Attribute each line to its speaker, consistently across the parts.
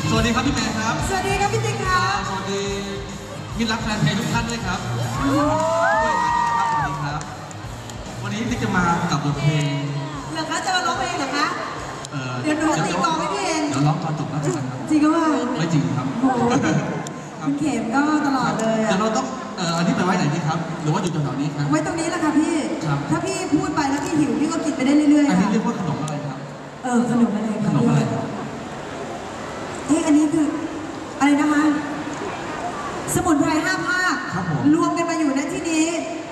Speaker 1: สวัสดีครับพี่แมนครับ
Speaker 2: สวัสดีครับพี่ติ๊กครับ
Speaker 1: สวัสดีมิตรรักแฟนเพลงทุกท่านด้วยครับด้วยนะครับสวัสดีครับวันนี้ติ๊กจะมากับบทเพลง
Speaker 2: เหรอคะจะมาร้องเพลงเหรอคะเดี๋ยวหนูตีกลองให้พี่เอง
Speaker 1: เดี๋ยวร้องตอนจบแล้วกันครับ
Speaker 2: จริงก็ว่า
Speaker 1: ไม่จริงครับ
Speaker 2: คุณเข็มก็ตลอดเลย
Speaker 1: เดี๋ยวเราต้องอันนี้ไปไว้ไหนดีครับหรือว่าอยู่แถวๆนี้ครับ
Speaker 2: ไว้ตรงนี้แหละค่ะพี่ถ้าพี่พูดไปแล้วพี่หิวพี่ก็กินไปได้เรื่อยๆ
Speaker 1: อันนี้เรียกว่าขนมอะไรครับ
Speaker 2: ขนมอะไร
Speaker 1: ขนมอะไร
Speaker 2: อันนี้คืออะไรนะคะสมุนไพร5 ภาครวมกันมาอยู่ณที่นี้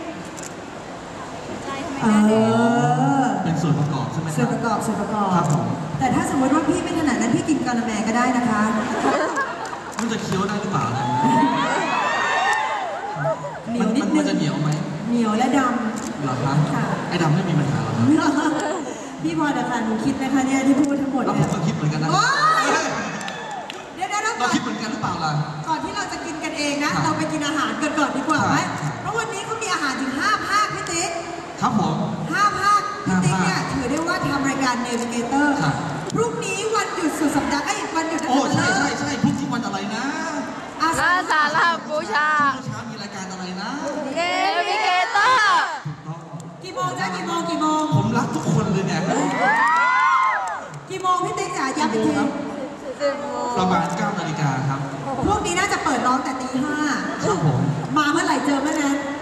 Speaker 1: เป็นส่วนประกอบใช่ไหม
Speaker 2: ส่วนประกอบ
Speaker 1: ครับผม
Speaker 2: แต่ถ้าสมมติว่าพี่ไม่ถนัดนั้นพี่กินกะละแมก็ได้นะคะ
Speaker 1: มันจะเคี้ยวได้หรือเปล่า
Speaker 2: เหนียวนิดนึง
Speaker 1: มันจะเหนียวไหม
Speaker 2: เหนียวและดำ
Speaker 1: เหรอครับไอ้ดำไม่มีปัญหาหรอครับ
Speaker 2: พี่พอจะทันคิดนะคะเนี่ยที่พูดทั้งหมด
Speaker 1: แล้วผมก็คิดเหมือนกันนะ
Speaker 2: เดี๋ยว
Speaker 1: เราคิดเหมือนกันหรือเปล่าล่ะ
Speaker 2: ก่อนที่เราจะกินกันเองนะเราไปกินอาหารกันก่อนดีกว่าไหมเพราะวันนี้เขามีอาหารถึง5 ภาคพี่ติ๊ก
Speaker 1: ครับผม
Speaker 2: 5 ภาคพี่ติ๊กเนี่ยถือได้ว่าทำรายการเนวิเกเตอร์พรุ่งนี้วันหยุดสุดสัปดาห์วันหยุด
Speaker 1: โอ้ใช่พรุ่งนี้วันอะไรนะ
Speaker 3: อาสาฬหบูชา
Speaker 1: มีรายการอะไรนะ
Speaker 3: เนวิเกเตอร์
Speaker 2: กี่โมงจ๊ะกี่โมง
Speaker 1: ผมรักทุกคนเลยเนี่ย
Speaker 2: กี่โมงพี่ติ๊กจ๋าย้ำอีกที
Speaker 1: ประมาณ9 นาฬิกาครับ
Speaker 2: พวกนี้น่าจะเปิดร้องแต่ตี 5
Speaker 1: ครับผม
Speaker 2: มาเมื่อไหร่เจอเมื่อนั้น